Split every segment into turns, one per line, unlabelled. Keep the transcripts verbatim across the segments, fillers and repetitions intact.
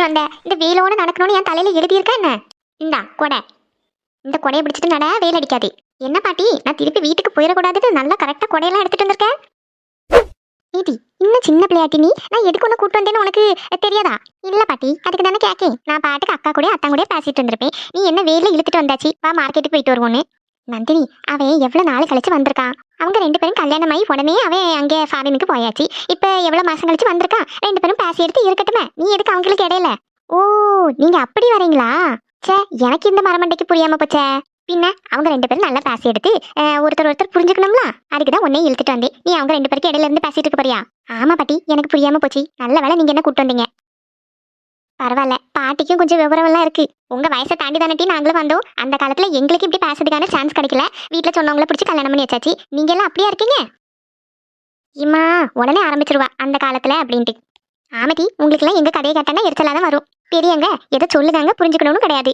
எடுத்துட்டு வந்த? இந்த வெயிலோட நடக்கணும்னு என் தலையில எழுதியிருக்கா என்ன? இந்தா கொடை. இந்த கொடையை பிடிச்சிட்டு நட, வெயில் அடிக்காது. என்ன பாட்டி, நான் திருப்பி வீட்டுக்கு போயிடக்கூடாதுன்னு நல்லா கரெக்டா கொடையெல்லாம் எடுத்துட்டு வந்திருக்கேன். நீதி இன்னும் சின்ன பிள்ளையாட்டி நீ, நான் எதுக்கு ஒன்று கூட்டு வந்தேன்னு உனக்கு தெரியாதா? இல்ல பாட்டி, அதுக்கு தானே கேக்கேன். நான் பாட்டுக்கு அக்கா கூட அத்தா கூட பேசிட்டு இருந்திருப்பேன். நீ என்ன வெயில இழுத்துட்டு வந்தாச்சு, வா மார்க்கெட்டுக்கு போயிட்டு வருவோன்னு. நந்தினி, அவன் எவ்வளவு நாள் கழிச்சு வந்திருக்கான். அவங்க ரெண்டு பேரும் கல்யாணம் ஆகி உடனே அவன் அங்கே ஃபாரினுக்கு போயாச்சு. இப்ப எவ்வளவு மாசம் கழிச்சு வந்திருக்கான். ரெண்டு பேரும் பேசி எடுத்து இருக்கட்டுமே, நீ எதுக்கு அவங்களுக்கு இடையில? ஓ, நீங்க அப்படி வரீங்களா? சே, எனக்கு இந்த மரமண்டைக்கு புரியாம போச்சே. பின்ன அவங்க ரெண்டு பேரும் நல்லா பேசி எடுத்து ஒருத்தர் ஒருத்தர் புரிஞ்சுக்கணும்ல, அதுக்குதான் உன்னையும் இழுத்துட்டு வந்தேன். நீ அவங்க ரெண்டு பேருக்கு இடையில இருந்து பேசிட்டு இருக்க போறியா? ஆமா பாட்டி, எனக்கு புரியாம போச்சு. நல்ல வேலை நீங்க என்ன கூட்டு வந்தீங்க. பரவாயில்ல, பாட்டிக்கும் கொஞ்சம் விவரம் எல்லாம் இருக்கு. உங்க வயசை தாண்டி தானே நாங்களும் வந்தோம். அந்த காலத்துல எங்களுக்கு இப்படி பேசுறதுக்கான சான்ஸ் கிடைக்கல. வீட்டுல சொன்னவங்களை பிடிச்சி கல்யாணம் பண்ணி வச்சாச்சு. நீங்க எல்லாம் அப்படியா இருக்கீங்க? இம்மா உடனே ஆரம்பிச்சிருவா அந்த காலத்துல அப்படின்ட்டு. ஆமதி, உங்களுக்கு எல்லாம் எங்க கதையை கேட்டானா எரிச்சலாதான் வரும். பெரியவங்க எதை சொல்லுதாங்க, புரிஞ்சுக்கணும்னு கிடையாது.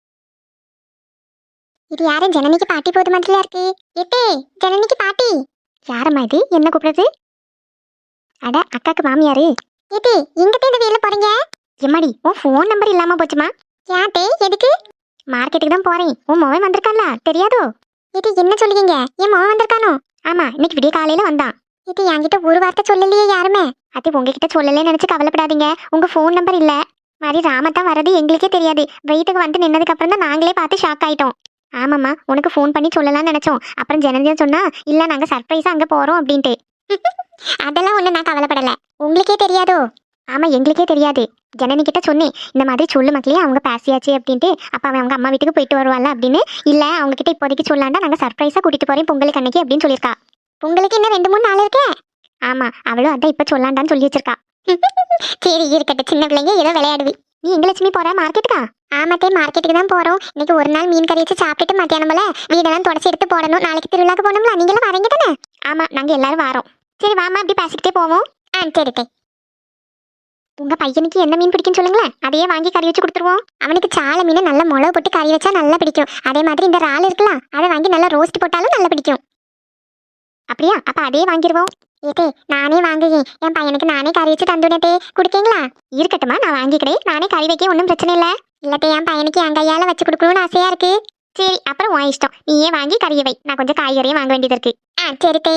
இது யாரும் ஜனனிக்கு பாட்டி போது மாதிரியா இருக்கு. எட்டே, ஜனனிக்கு பாட்டி. யாரம்மா இது, என்ன கூப்பிடுறது? அட, அக்காக்கு மாமியாரு. எட்டே, எங்கிட்ட இந்த வேலை போறீங்க? எம்மாடி, உன் ஃபோன் நம்பர் இல்லாம போச்சுமா. யாட்டே, எதுக்கு? மார்க்கெட்டுக்கு தான் போறேன். உன் மகன் வந்திருக்கான்ல, தெரியாதோ? இது என்ன சொல்லுவீங்க? என் மகன் வந்திருக்கானோ? ஆமா, இன்னைக்கு விடிய காலையில வந்தான். இது என்கிட்ட ஒரு வார்த்தை சொல்லலையே யாருமே. அது உங்ககிட்ட சொல்லலன்னு நினைச்சு கவலைப்படாதீங்க. உங்க ஃபோன் நம்பர் இல்ல மாதிரி ராமத்தான் வர்றது எங்களுக்கே தெரியாது. வீட்டுக்கு வந்து நின்னதுக்கு அப்புறம் தான் நாங்களே பார்த்து ஷாக் ஆயிட்டோம். ஆமாம்மா, உனக்கு ஃபோன் பண்ணி சொல்லலாம்னு நினைச்சோம். அப்புறம் ஜனனியா சொன்னா இல்ல நாங்க சர்ப்ரைஸா அங்க போறோம் அப்படின்ட்டு. அதெல்லாம் ஒண்ணு நான் கவலைப்படல. உங்களுக்கே தெரியாதோ? ஆமா, எங்களுக்கே தெரியாது. ஜனனி கிட்ட சொன்னேன், இந்த மாதிரி சொல்லு மக்களே, அவங்க பேசியாச்சு அப்படின்ட்டு. அப்ப அவன் அவங்க அம்மா வீட்டுக்கு போயிட்டு வருவாள் அப்படின்னு. இல்ல அவங்க கிட்ட இப்போதைக்கு சொல்லாண்டா நாங்க சர்ப்ரைஸா கூட்டிட்டு போறேன் பொங்கலுக்கு அன்னைக்கு அப்படின்னு சொல்லியிருக்கா. பொங்கலுக்கு இன்னும் ரெண்டு மூணு நாள் இருக்கே. ஆமா, அவளும் அதான் இப்ப சொல்லாண்டான்னு சொல்லி வச்சிருக்கா. சரி இருக்கட்டும், சின்ன பிள்ளைங்க ஏதோ விளையாடுவி. நீ எங்க லட்சுமி போற மார்க்கெட்டுக்கா? ஆமாத்தே, மார்க்கெட்டுக்கு தான் போறோம். இன்னைக்கு ஒரு நாள் மீன் கறி வச்சு சாப்பிட்டுட்டு மத்தியானம்ல வீடெல்லாம் தொடச்சி எடுத்து போடணும். நாளைக்கு திருவிழாக்கு போகணும்ல, நீங்க எல்லாம் வரீங்க தானே? ஆமா, நாங்க எல்லாரும் வரோம். சரி வாமா, அப்படி பேசிக்கிட்டே போவோம். ஆ சரி தே. உங்க பையனுக்கு என்ன மீன் பிடிக்கும் சொல்லுங்களேன், அதையே வாங்கி கறி வச்சு கொடுத்துருவோம். அவனுக்கு சாலை மீன் நல்லா மிளகு போட்டு கறி வச்சா நல்லா பிடிக்கும். அதே மாதிரி இந்த இறால் இருக்கலாம், அதை வாங்கி நல்லா ரோஸ்ட் போட்டாலும் நல்லா பிடிக்கும். அப்படியா? அப்ப அதே வாங்கிடுவோம். ஏதே, நானே வாங்குகிறேன். என் பையனுக்கு நானே கறி வச்சு தந்துடத்தே, குடிக்கீங்களா? இருக்கட்டுமா, நான் வாங்கிக்கிறேன். நானே கறி வைக்க ஒன்றும் பிரச்சனை இல்லை. இல்லத்தே, என் பையனுக்கு என் கையால வச்சு கொடுக்கணும்னு ஆசையா இருக்கு. சரி, அப்புறம் உன் இஷ்டம். நீயே வாங்கி கறியை வை. நான் கொஞ்சம் காய்கறியும் வாங்க வேண்டியது இருக்கு. ஆ சரி தே.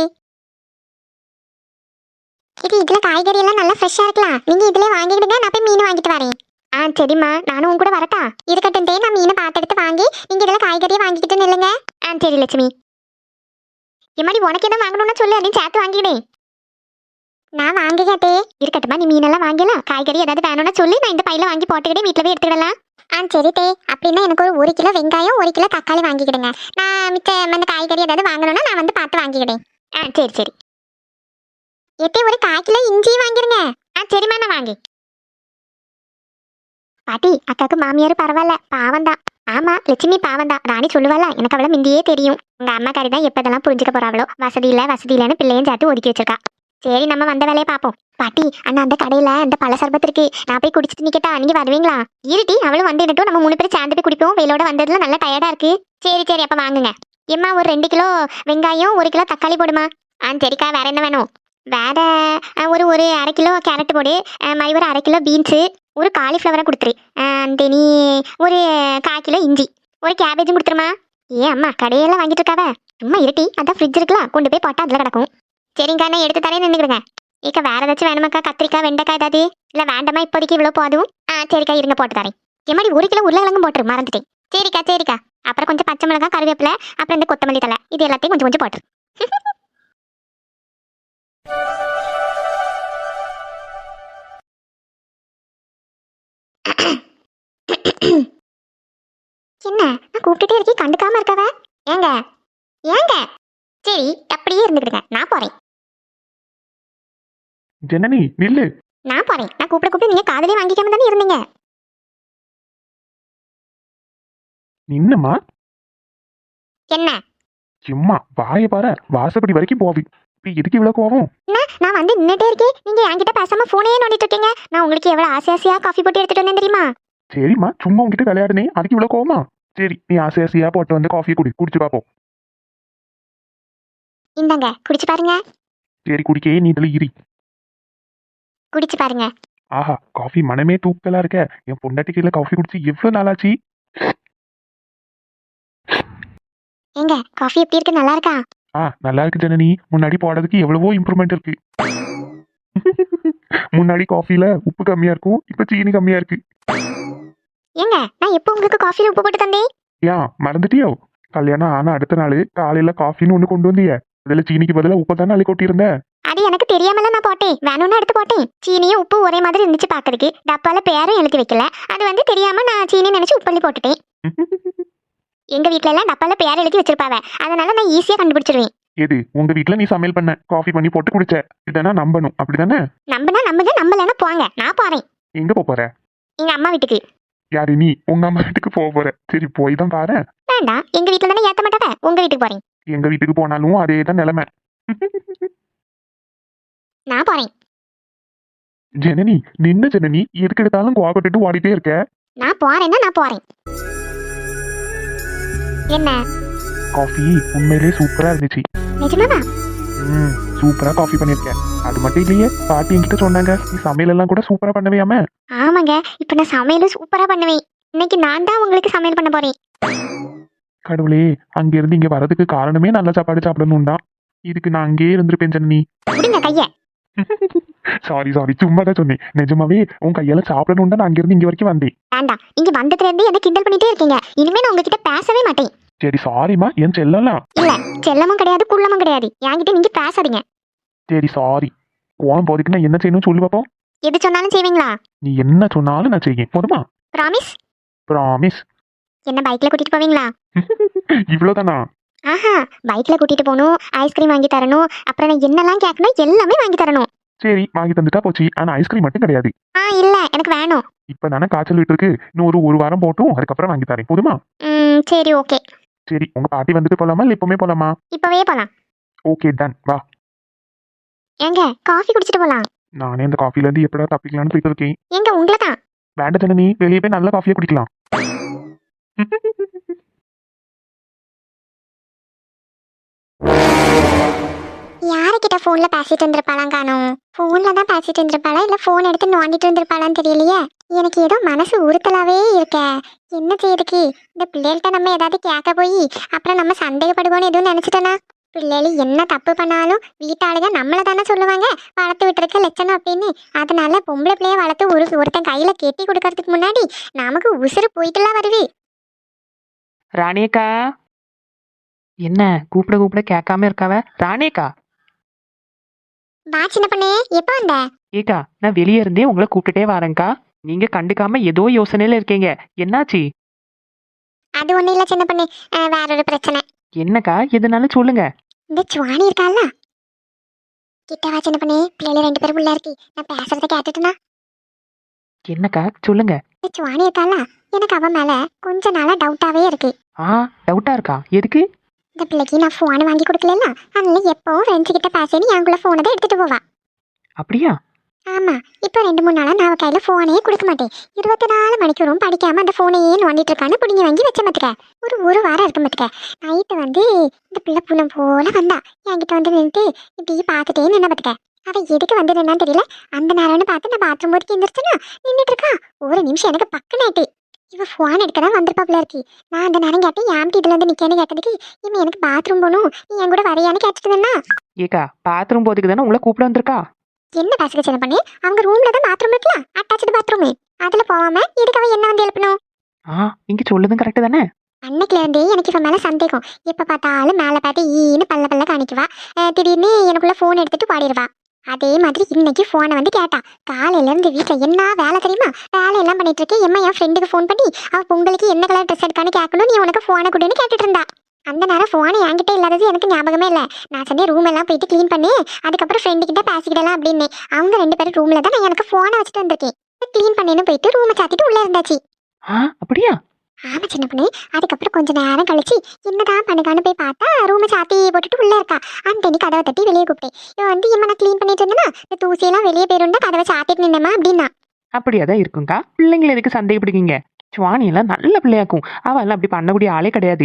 இது இதுல காய்கறி எல்லாம் நல்லா ஃப்ரெஷ்ஷா இருக்கலாம். நீங்க இதுல வாங்கிடுங்க, நான் போய் மீன் வாங்கிட்டு வரேன். ஆ சரிம்மா, நானும் உன் கூட வரட்டா? இருக்கட்டும் தே, நான் மீனை பார்த்து எடுத்து வாங்கி நீங்க இதுல காய்கறியை வாங்கிக்கிட்டு நில்லுங்க. ஆ சரி லட்சுமி. எம்மாடி, உனக்கு எதாவது வாங்கணும்னா சொல்லு, அதையும் சேர்த்து வாங்கிடேன். நான் வாங்கிக்கிட்டே. இருக்கட்டுமா, நீ மீனெல்லாம் வாங்கலாம். காய்கறி ஏதாவது வேணும்னா சொல்லி நான் இந்த பையில வாங்கி போட்டுக்கிட்டே வீட்டில் போய் எடுத்துக்கிடலாம். ஆ சரி தே. அப்படின்னா எனக்கு ஒரு ஒரு கிலோ வெங்காயம், ஒரு கிலோ தக்காளி வாங்கிக்கிடுங்க. நான் மிச்ச அந்த காய்கறி ஏதாவது வாங்கணும்னா நான் வந்து பார்த்து வாங்கிக்கிடேன். ஆ சரி சரி. எத்தே, ஒரு கால் கிலோ இஞ்சியும் வாங்கிருங்க. ஆ சரிம்மா, நான் வாங்கி. பாட்டி, அக்காக்கு மாமியார் பரவாயில்ல, பாவந்தான். ஆமா, லட்சுமி பாவந்தான். ராணி சொல்லுவாளா, எனக்கு அவளை மிந்தியே தெரியும். உங்க அம்மா காரி தான் எப்பதெல்லாம் புரிஞ்சுக்க போறாவளோ. வசதி இல்ல வசதி இல்லைன்னு பிள்ளையும் சேர்த்து ஒதுக்கி வச்சிருக்கா. சரி, நம்ம வந்த வேலையை பார்ப்போம். பாட்டி, அண்ணா அந்த கடையில அந்த பழ சர்பத்து இருக்கு, நான் போய் குடிச்சிட்டு நிக்கட்டா? நீங்க வருவீங்களா? இருட்டி, அவளும் வந்து இடட்டும், நம்ம மூணு பேரும் சேர்ந்து போய் குடிப்போம். வெயிலோட வந்ததுல நல்லா டயர்டா இருக்கு. சரி சரி, அப்ப வாங்குங்க. எம்மா, ஒரு ரெண்டு கிலோ வெங்காயம், ஒரு கிலோ தக்காளி போடுமா. ஆ சரிக்கா. வேற என்ன வேணும்? வேற ஒரு ஒரு அரை கிலோ கேரட் போடு. மாதிரி ஒரு அரை கிலோ பீன்ஸு, ஒரு காலிஃப்ளவரை கொடுத்துரு. தெனி ஒரு கால் கிலோ இஞ்சி, ஒரு கேபேஜும் கொடுத்துருமா. ஏன் அம்மா கடையெல்லாம் வாங்கிட்டு இருக்காவ? சும்மா இருட்டி, அதான் ஃப்ரிட்ஜ் இருக்கலாம், கொண்டு போய் போட்டா அதில் கிடக்கும். சரிங்கக்கா, நான் எடுத்து தரேன், நின்றுடுங்க. ஏக்கா, வேற ஏதாச்சும் வேணுமாக்கா? கத்திரிக்காய், வெண்டைக்காய் ஏதாவது? இல்லை வேண்டாமா, இப்போதைக்கு இவ்வளோ போதும். ஆ சரிக்கா, இருங்க போட்டு தரேன். எம்மாடி, ஒரு கிலோ உருளைக்கிழங்கும் போட்டுரு, மறந்துட்டேன். சரிக்கா சரிக்கா. அப்புறம் கொஞ்சம் பச்சை மிளகாய், கருவேப்பிலை, அப்புறம் இந்த கொத்தமல்லி தலை, இது எல்லாத்தையும் கொஞ்சம் கொஞ்சம் போட்டுரு. என்ன, நான் கூப்பிட்டுட்டே இருக்கேன், கண்டுக்காம இருக்கவ? ஏங்க ஏங்க? சரி, அப்படியே இருந்துக்கிடுங்க, நான் போறேன்.
ஜனனி நில்லு.
நான் போறேன். நான் கூப்பிட கூப்பிட்டு நீங்க காதலே வாங்கிக்காம தானே இருந்தீங்க.
நின்னம்மா.
என்ன?
சும்மா வாயை பாரு, வாசப்படி வரைக்கும் போவி. எதுக்கு இவ்வளவு கோவம்?
நான் வந்து நின்னுட்டே இருக்கேன், நீங்க என்கிட்ட பேசாம போனே நோண்டிட்டு இருக்கீங்க. நான் உங்களுக்கு எவ்வளவு ஆசை ஆசையா காஃபி போட்டு எடுத்துட்டு வந்தேன் தெரியுமா?
சரிம்மா, சும்மா உங்ககிட்ட விளையாடுனே, அதுக்கு இவ்வளவு கோவமா? சரி, நீ ஆசை ஆசையா போட்டு வந்து காஃபியை குடி, குடிச்சு பாப்போம்.
இந்தாங்க, குடிச்சு பாருங்க.
சரி, குடிக்கே, நீ இதுல இரி.
குடிச்சு பாருங்க.
ஆஹா காஃபி மனமே தூக்கலா இருக்க. என் பொண்டாட்டி கையில காஃபி குடிச்சு எவ்வளவு நாளாச்சு.
ஏங்க காஃபி எப்படி இருக்கு, நல்லா இருக்கா?
ஆ நல்லா இருக்கு ஜனனி. முன்னாடி போடுறதுக்கு எவ்வளவோ இம்ப்ரூவ்மெண்ட் இருக்கு. முன்னாடி காஃபில உப்பு கம்மியா இருக்கும், இப்ப சீனி கம்மியா இருக்கு.
ஏங்க நான் எப்போ உங்களுக்கு காஃபில உப்பு போட்டு தந்தேன்?
ஏன் மறந்துட்டியோ? கல்யாணம் ஆனா அடுத்த நாள் காலையில காஃபின்னு ஒண்ணு கொண்டு வந்திய, அதுல சீனிக்கு பதிலா உப்பை தானே அள்ளி கொட்டியிருந்த.
அது எனக்கு தெரியாமல நான் போட்டேன், வேணும்னு எடுத்து போட்டேன். சீனியும் உப்பு ஒரே மாதிரி இருந்துச்சு பாக்குறதுக்கு, டப்பால பேரும் எழுதி வைக்கல. அது வந்து தெரியாம நான் சீனி நினைச்சு உப்பள்ளி போட்டுட்டேன். எங்க வீட்ல எல்லாம் டப்பால பேர் எழுதி வச்சிருப்பாவ, அதனால நான் ஈஸியா கண்டுபிடிச்சிருவேன்.
எது உங்க வீட்ல நீ சமையல் பண்ண காஃபி பண்ணி போட்டு குடிச்ச, இதனா நம்பணும் அப்படிதானே?
நம்பனா நம்புங்க, நம்பலன்னா போங்க, நான் போறேன்.
எங்க போப் போற?
எங்க அம்மா வீட்டுக்கு.
யாரு நீ உங்க அம்மா வீட்டுக்கு போக போற? சரி போய் தான் பாரு.
வேண்டாம், எங்க வீட்ல தானே ஏத்த மாட்டாவ, உங்க வீட்டுக்கு போறேன்.
எங்க வீட்டுக்கு போனாலும் அதே தான் நிலைமை.
நான் போறேன்.
ஜனனி நின்ன ஜனனி, எதுக்கு எடுத்தாலும் கோவப்பட்டுட்டு ஓடிட்டே இருக்க.
நான் போறேன்னா நான் போறேன். என்ன
காஃபி உண்மையிலே சூப்பரா இருந்துச்சு.
நிஜமாவா?
ம் சூப்பரா காஃபி பண்ணிருக்கேன். அது மட்டும் இல்லையே, பாட்டி என்கிட்ட சொன்னாங்க நீ சமையல் எல்லாம் கூட சூப்பரா பண்ணவையாம.
ஆமாங்க, இப்ப நான் சமையலும் சூப்பரா பண்ணுவேன். இன்னைக்கு நான் தான் உங்களுக்கு சமையல் பண்ண போறேன்.
கடவுளே, அங்க இருந்து இங்க வரதுக்கு காரணமே நல்ல சாப்பாடு சாப்பிடணும் தான். இதுக்கு நான் அங்கேயே இருந்திருப்பேன் ஜனனி.
விடுங்க கைய.
சாரி சாரி சும்மா தான் சொன்னேன். நிஜமாவே உன் கையால சாப்பிடணும் தான் நான் அங்க இருந்து இங்க வரைக்கும் வந்தேன்.
வேண்டாம், இங்க வந்ததுல இருந்து என்ன கிண்டல் பண்ணிட்டே இருக்கீங்க. இனிமே நான் உங்ககிட்ட பேசவே மாட்டேன்.
சரி சாரிமா, என் செல்லலாம்.
இல்ல, செல்லமும் கிடையாது குள்ளமும் கிடையாது, என்கிட்ட நீங்க பேசாதீங்க.
சரி சாரி. கோவம் போதுக்கு நான் என்ன செய்யணும் சொல்லு பாப்போம்.
எது சொன்னாலும் செய்வீங்களா?
நீ என்ன சொன்னாலும் நான் செய்யேன், போதுமா?
ப்ராமிஸ்?
ப்ராமிஸ்.
என்ன பைக்ல கூட்டிட்டு போவீங்களா?
இவ்வளவுதானா?
ஆஹா, பைக்ல கூட்டிட்டு போகணும், ஐஸ்கிரீம் வாங்கி தரணும், அப்புறம் நான் என்னெல்லாம் கேட்கணும் எல்லாமே வாங்கி தரணும்.
சரி வாங்கி தந்துட்டா போச்சு. ஆனா ஐஸ்கிரீம் மட்டும் கிடையாது.
ஆ இல்ல, எனக்கு வேணும்.
இப்ப தானே காய்ச்சல் விட்டு இருக்கு, இன்னும் ஒரு ஒரு வாரம் போட்டும் அதுக்கப்புறம் வாங்கி தரேன், போதுமா?
ம் சரி ஓகே.
சரி உங்க பாட்டி வந்துட்டு போலாமா இல்ல இப்பவுமே போலாமா?
இப்பவே போலாம்.
ஓகே டன் வா.
எங்க காஃபி குடிச்சிட்டு போலாம்.
நானே இந்த காஃபில இருந்து எப்படா தப்பிக்கலாம்னு போயிட்டு இருக்கேன்.
எங்க உங்களை தான்.
வேண்ட ஜனனி, வெளியே போய் நல்ல காஃபியா குடிக்கலாம்.
யாருக்கிட்ட போன்ல பேசிட்டு இருந்திருப்பாளாம் காணோம். போன்ல தான் பேசிட்டு இருந்திருப்பாளா இல்ல போன் எடுத்து நோண்டிட்டு இருந்திருப்பாளான்னு தெரியலையே. எனக்கு ஏதோ மனசு உறுத்தலாவே இருக்க. என்ன செய்யுதுக்கு இந்த பிள்ளைகள்கிட்ட நம்ம ஏதாவது கேட்க போய் அப்புறம் நம்ம சந்தேகப்படுவோன்னு எதுவும் நினைச்சிட்டேனா? பிள்ளைகள் என்ன தப்பு பண்ணாலும் வீட்டாளுங்க நம்மள தானே சொல்லுவாங்க வளர்த்து விட்டுருக்க லட்சணம் அப்படின்னு. அதனால பொம்பளை பிள்ளைய வளர்த்து ஒரு ஒருத்தன் கையில கெட்டி கொடுக்கறதுக்கு முன்னாடி நமக்கு உசுறு போயிட்டுலாம் வருது.
ராணியக்கா, என்ன கூப்பிட கூப்பிட கேட்காம இருக்காவ? ராணியக்கா,
வா சின்ன பண்ணே, எப்ப வந்த?
ஏக்கா நான் வெளியே இருந்தே உங்களை கூப்பிட்டுட்டே வரேன்க்கா. நீங்க கண்டுக்காம ஏதோ யோசனையில இருக்கீங்க, என்னாச்சு?
அது ஒண்ணு இல்ல சின்ன பண்ணே, அஹ் வேற ஒரு பிரச்சனை.
என்னக்கா எதுனாலும் சொல்லுங்க.
இந்த சுவாணி இருக்கால, கிட்ட வா சின்ன பண்ணே, பிள்ளைல ரெண்டு பேரும் உள்ள இருக்கு, நான் பேசுறத கேட்டுட்டுனா.
என்னக்கா சொல்லுங்க.
இந்த சுவாணி இருக்கால, எனக்கு அவன் மேல கொஞ்ச நாளா டவுட்டாவே இருக்கு.
ஆ டவுட்டா இருக்கா? எதுக்கு?
இந்த பிள்ளைக்கு நான் போன் வாங்கி கொடுக்கல, அதனால எப்பவும் ஃப்ரெண்ட்ஸ் கிட்ட பேசணும் என்குள்ள போனை தான் எடுத்துட்டு போவா.
அப்படியா?
ஆமா, இப்போ ரெண்டு மூணு நாளா நான் அவ கையில போனே கொடுக்க மாட்டேன். இருபத்தி நாலு மணிக்கூறும் படிக்காம அந்த போனையே நோண்டிட்டு இருக்கான்னு பிடிங்கி வாங்கி வச்ச மாத்துக்க. ஒரு ஒரு வாரம் இருக்கு மாத்துக்க. நைட்டு வந்து இந்த பிள்ளை புலம் போல வந்தா என்கிட்ட வந்து நின்றுட்டு இப்படி பார்த்துட்டே நின்ன பாத்துக்க. அவ எதுக்கு வந்து நின்னான்னு தெரியல. அந்த நேரம்னு பார்த்து நான் பாத்ரூம் போட்டு எந்திரிச்சேன்னா நின்றுட்டு இருக்கா. ஒரு நிமிஷம் எனக்கு பக்கனாயிட்டு. இவ போன் எடுக்க தான் வந்திருப்பாப்ல இருக்கு. நான் அந்த நேரம் கேட்டேன் ஏன்ட்டு இதுல இருந்து நிக்கேன்னு கேட்டதுக்கு இவன் எனக்கு பாத்ரூம் போகணும் நீ என் கூட வரையான்னு கேட்டுட்டு இருந்தா.
ஏக்கா பாத்ரூம் போதுக்கு தானே உங்களை கூப்பிட வந்திருக்கா.
என்ன பேசுக சின்ன பண்ணி, அவங்க ரூம்ல தான் பாத்ரூம் இருக்குல்ல, அட்டாச்சு பாத்ரூம், அதுல போவாம இதுக்கு அவன் என்ன வந்து எழுப்பணும்?
ஆ இங்க சொல்லுதும் கரெக்டு தானே.
அன்னைக்குல இருந்தே எனக்கு இவன் மேல சந்தேகம். எப்ப பார்த்தாலும் மேல பார்த்து ஈன்னு பல்ல பல்ல காணிக்குவா. திடீர்னு எனக்குள்ள போன் எடுத்துட்டு பாடிடுவா. அதே மாதிரி இன்னைக்கு போனை வந்து கேட்டா. காலையில இருந்து வீட்டுல என்ன வேலை தெரியுமா, வேலை எல்லாம் பண்ணிட்டு இருக்கேன். எம்மா என் ஃப்ரெண்டுக்கு போன் பண்ணி அவ பொங்கலுக்கு என்ன கலர் ட்ரெஸ் எடுக்கான்னு கேட்கணும், நீ உனக்கு போனை கொடுன்னு கேட்டுட்டு இருந்தா. அந்த நேரம் போனை என்கிட்ட இல்லாதது எனக்கு ஞாபகமே இல்லை. நான் சொன்னேன் ரூம் எல்லாம் போயிட்டு கிளீன் பண்ணி அதுக்கப்புறம் ஃப்ரெண்டு கிட்ட பேசிக்கிடலாம் அப்படின்னு. அவங்க ரெண்டு பேரும் ரூம்ல தான் நான் எனக்கு போனை வச்சுட்டு வந்திருக்கேன். கிளீன் பண்ணின்னு போயிட்டு ரூமை சாத்திட்டு உள்ள இருந்தாச்சு.
ஆ அப்படியா?
ஆமா சின்ன பொண்ணு. அதுக்கப்புறம் கொஞ்ச நேரம் கழிச்சு என்னதான் பண்ணுக்கான்னு போய் பார்த்தா ரூமை சாத்தி போட்டுட்டு உள்ள இருக்கா. அந்த கதவை தட்டி வெளியே கூப்பிட்டேன். இவன் வந்து இம்மா நான் கிளீன் பண்ணிட்டு இருந்தேன்னா இந்த தூசியெல்லாம் வெளியே போயிருந்தா கதவை சாத்திட்டு நின்னமா அப்படின்னா.
அப்படியாதான் இருக்குங்கக்கா. பிள்ளைங்களை எதுக்கு சந்தேகப்படுவீங்க? சுவாணி எல்லாம் நல்ல பிள்ளையாக்கும். அவ எல்லாம் அப்படி பண்ணக்கூடிய ஆளே கிடையாது.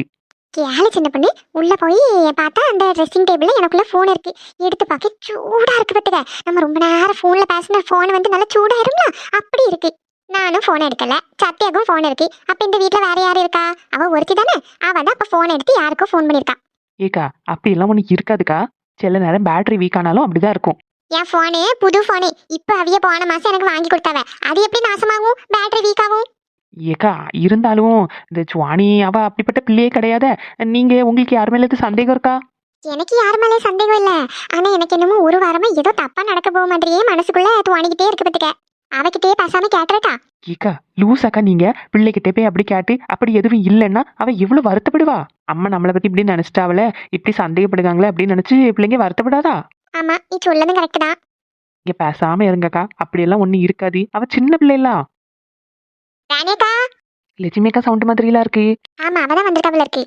கேளு சின்ன பொண்ணு, உள்ள போய் பார்த்தா அந்த ட்ரெஸ்ஸிங் டேபிள்ல எனக்குள்ள ஃபோன் இருக்கு. எடுத்து பார்க்க சூடா இருக்கு பாத்துக்க. நம்ம ரொம்ப நேரம் ஃபோன்ல பேசின ஃபோன் வந்து நல்லா சூடாயிரும்ல, அப்படி இருக்கு. நானும் ஃபோன் எடுக்கல, சத்யாக்கும் ஃபோன் இருக்கு. அப்ப இந்த வீட்ல வேற யாரு இருக்கா? அவ ஒருத்தி தானே. அவ தான் அப்ப ஃபோன் எடுத்து யாருக்கோ ஃபோன் பண்ணிருக்கா.
ஏக்கா அப்படி எல்லாம் ஒண்ணு இருக்காதுக்கா. சில நேரம் பேட்டரி வீக் ஆனாலும் அப்படிதான் இருக்கும்.
என் ஃபோனு புது ஃபோனு. இப்ப அவிய போன மாசம் எனக்கு வாங்கி கொடுத்தாவ. அது எப்படி நாசமாகும், பேட்டரி வீக் ஆகும்?
ஏக்கா இருந்தாலும் இந்த சுவாணி அவ அப்படிப்பட்ட பிள்ளையே கிடையாத. நீங்க உங்களுக்கு யார் மேல எதுவும் சந்தேகம் இருக்கா?
எனக்கு யார் மேலே சந்தேகம் இல்ல. ஆனா எனக்கு என்னமோ ஒரு வாரமா ஏதோ தப்பா நடக்க போக மாதிரியே மனசுக்குள்ள துவாணிக்கிட்டே இருக்கு பத்துக்க. அவகிட்டே பேசாம கேட்டுறட்டா?
ஏக்கா லூசாக்கா நீங்க பிள்ளைகிட்ட போய் அப்படி கேட்டு அப்படி எதுவும் இல்லைன்னா அவ எவ்வளவு வருத்தப்படுவா. அம்மா நம்மளை பத்தி இப்படி நினைச்சிட்டாவல, இப்படி சந்தேகப்படுதாங்களே அப்படின்னு நினைச்சு பிள்ளைங்க வருத்தப்படாதா?
ஆமா, நீ சொல்லதும் கரெக்ட் தான்.
இங்க பேசாம இருங்கக்கா. அப்படியெல்லாம் ஒண்ணு இருக்காது. அவ சின்ன பிள்ளைலாம்.
ராணியக்கா.
லட்சுமிக்கா சவுண்ட் மாதிரிலாம் இருக்கு.
ஆமா, அவதான் வந்திருக்காவில இருக்கு.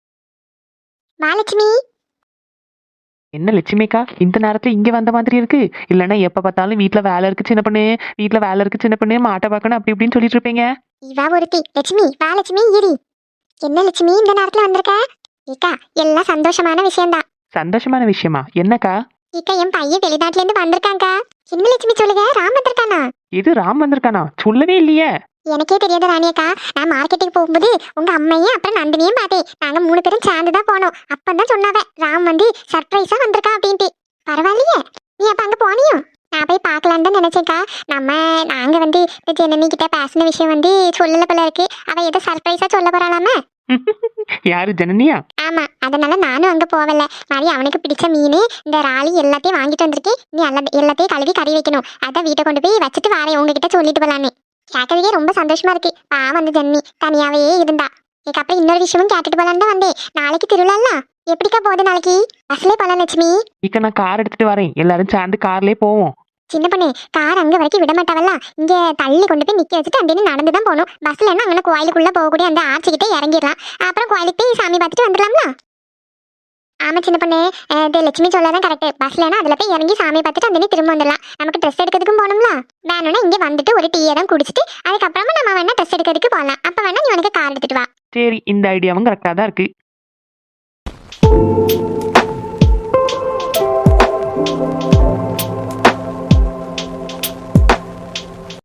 மகாலட்சுமி.
என்ன லட்சுமிக்கா இந்த நேரத்துல இங்க வந்த மாதிரி இருக்கு? இல்லைன்னா எப்ப பார்த்தாலும் வீட்டுல வேலை இருக்கு சின்ன பொண்ணு, வீட்டுல வேலை இருக்கு சின்ன பொண்ணு, மாட்டை பார்க்கணும் அப்படி இப்படின்னு சொல்லிட்டு இருப்பீங்க.
இவா ஒருத்தி லட்சுமி. வா லட்சுமி, இரி. என்ன லட்சுமி இந்த நேரத்துல வந்திருக்க? ஏக்கா எல்லாம் சந்தோஷமான விஷயம்தான்.
சந்தோஷமான விஷயமா? என்னக்கா?
ஏக்கா என் பையன் வெளிநாட்டுல இருந்து வந்திருக்காங்கக்கா. என்ன லட்சுமி சொல்லுங்க, ராம் வந்திருக்கானா?
இது ராம் வந்திருக்கானா? சொல்லவே இல்லையே.
எனக்கே தெரியாது ராணியக்கா. நான் மார்க்கெட்டுக்கு போகும்போது உங்க அம்மையும் அப்புறம் நந்தினியும் பார்த்தேன். நாங்க மூணு பேரும் சேர்ந்து தான் போனோம். அப்பதான் சொன்னாவ ராம் வந்து சர்ப்ரைஸா வந்திருக்கா அப்படின்ட்டு. பரவாயில்லையே, நீ அப்ப அங்க போனியோ? நான் போய் பார்க்கலான்னு தான் நினைச்சேக்கா. நம்ம நாங்க வந்து இந்த ஜனனி கிட்ட பேசின விஷயம் வந்து சொல்லல போல இருக்கு. அவ ஏதோ சர்ப்ரைஸா சொல்ல போறாளாம.
யாரு, ஜனனியா?
ஆமா, அதனால நானும் அங்க போவல. மாதிரி அவனுக்கு பிடிச்ச மீன் இந்த ராலி எல்லாத்தையும் வாங்கிட்டு வந்திருக்கேன். நீ எல்லா எல்லாத்தையும் கழுவி கறி வைக்கணும். அதான் வீட்டை கொண்டு போய் வச்சுட்டு வாரேன் உங்ககிட்ட சொல்லிட்டு போலான்னு. கேட்கறதுக்கே ரொம்ப சந்தோஷமா இருக்கு. பா வந்து ஜன்னி தனியாவே இருந்தா. எனக்கு அப்புறம் இன்னொரு விஷயமும் கேட்டுட்டு போலான்னு தான் வந்தேன். நாளைக்கு திருவிழால எப்படிக்கா போகுது? நாளைக்கு பஸ்லயே போலாம் லட்சுமி.
இக்க நான் கார் எடுத்துட்டு வரேன், எல்லாரும் சேர்ந்து கார்லயே போவோம்.
சின்ன பொண்ணு, கார் அங்க வரைக்கும் விட மாட்டாவல்ல. இங்க தள்ளி கொண்டு போய் நிக்க வச்சுட்டு அந்த நடந்து தான் போகணும். பஸ்ல என்ன அங்கே கோயிலுக்குள்ள போகக்கூடிய அந்த ஆட்சிக்கிட்டே இறங்கிடலாம். அப்புறம் கோயிலுக்கு போய் சாமி பார்த்துட்டு வந்துடலாம்ல. ஆமா சின்ன பொண்ணு, இது லட்சுமி சொல்லாதான் கரெக்ட். பஸ்லனா அதுல போய் இறங்கி சாமி பார்த்துட்டு அந்த திரும்ப வந்துடலாம். நமக்கு ட்ரெஸ் எடுக்கிறதுக்கும் போகணும்ல. வேணும்னா இங்க வந்துட்டு ஒரு டீயை தான் குடிச்சிட்டு அதுக்கப்புறமா நம்ம வேணா ட்ரெஸ் எடுக்கிறதுக்கு போகலாம். அப்ப வேணா நீ உனக்கு கார் எடுத்துட்டு வா.
சரி, இந்த ஐடியாவும் கரெக்டா தான் இருக்கு.
Thank you.